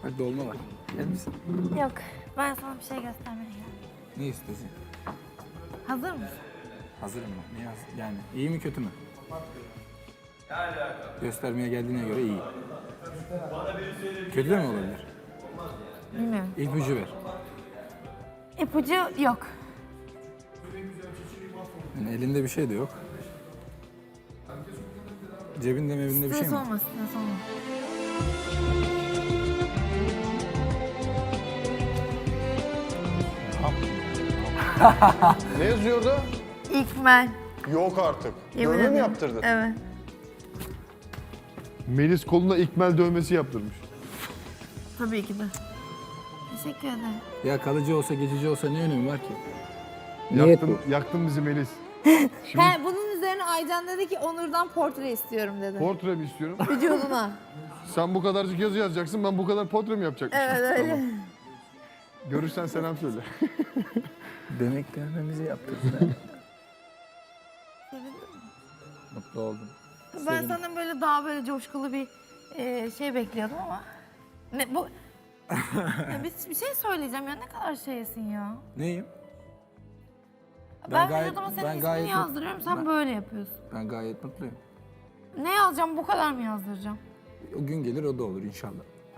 Bak dolma var. Yer misin? Yok, ben sana bir şey göstermeye geldim. Ne istiyorsun? Hazır mısın? Hazırım ben. Ne yani iyi mi kötü mü? Göstermeye geldiğine göre iyi. Kötü de mi olabilir? Bilmiyorum. İpucu ver. İpucu yok. Yani elinde bir şey de yok. Cebinde mevinde bir şey Stres mi? olma, stres olma. Ne yazıyordu? İkmel. Yok artık. Yemin Dövme mi ederim. yaptırdın? Evet. Melis koluna ikmel dövmesi yaptırmış. Tabii ki de. Teşekkür ederim. Ya kalıcı olsa geçici olsa ne önemi var ki? Yaktın bizi Melis. He, bunun üzerine Aycan dedi ki Onur'dan portre istiyorum dedi. Portre mi istiyorum? Vücuduna. Sen bu kadarcık yazı yazacaksın, ben bu kadar portre mi yapacakmışım? Evet öyle. Tamam. Görürsen selam söyle. Demek dövmemizi yaptırdın. Sevindin mi? Mutlu oldum. Ben senden böyle daha böyle coşkulu bir şey bekliyordum ama. Ne bu? Ya bir şey söyleyeceğim ya, ne kadar şeysin ya. Neyim? Ben gayet- vücuduma senin ben ismini gayet- yazdırıyorum, sen ben- böyle yapıyorsun. Ben gayet mutluyum. Ne yazacağım, bu kadar mı yazdıracağım? O gün gelir o da olur inşallah.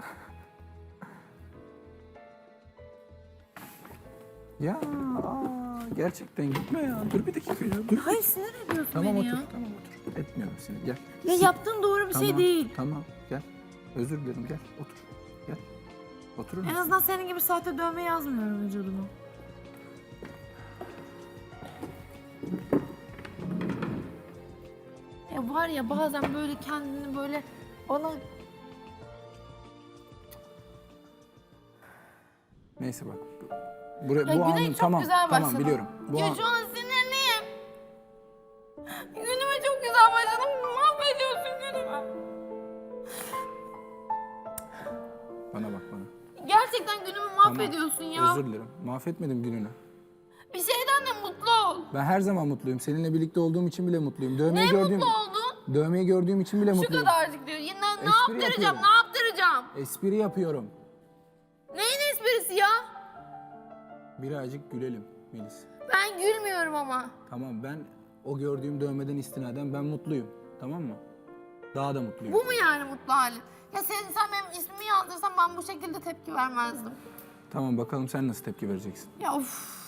Ya gerçekten gitme ya. Dur bir dakika ya. Dur. Hayır, sinir ediyorsun Tamam beni otur. ya. Tamam otur. Etmiyorum seni. Gel. Ya yaptığın doğru bir şey Tamam, değil. Tamam gel. Özür dilerim gel. Otur. Gel. Oturur En musun? azından senin gibi sahte dövme yazmıyorum vücuduma. Ya var ya, bazen böyle kendini böyle bana... Neyse bak. Buraya, Ya bu Güney anın çok tamam. güzel başladı. Tamam biliyorum. Bu Ya an, şu an sinirliyim. Günüme çok güzel başladım. Mahvediyorsun günümü. bana bak bana. Gerçekten günümü Tamam, mahvediyorsun ya. Özür dilerim. Mahvetmedim gününü. Bir şeyden de mutlu ol. Ben her zaman mutluyum. Seninle birlikte olduğum için bile mutluyum. Ne mutlu oldun? Dövmeyi gördüğüm için bile Şu mutluyum. kadarcık diyor. Yine ne Espri yaptıracağım, yapıyorum. ne yaptıracağım? Espri yapıyorum. Neyin esprisi ya? Birazcık gülelim Melis. Ben gülmüyorum ama. Tamam ben o gördüğüm dövmeden istinaden ben mutluyum. Tamam mı? Daha da mutluyum. Bu mu yani mutlu halin? Ya sen benim ismimi yazdırsan ben bu şekilde tepki vermezdim. Tamam bakalım sen nasıl tepki vereceksin. Ya of.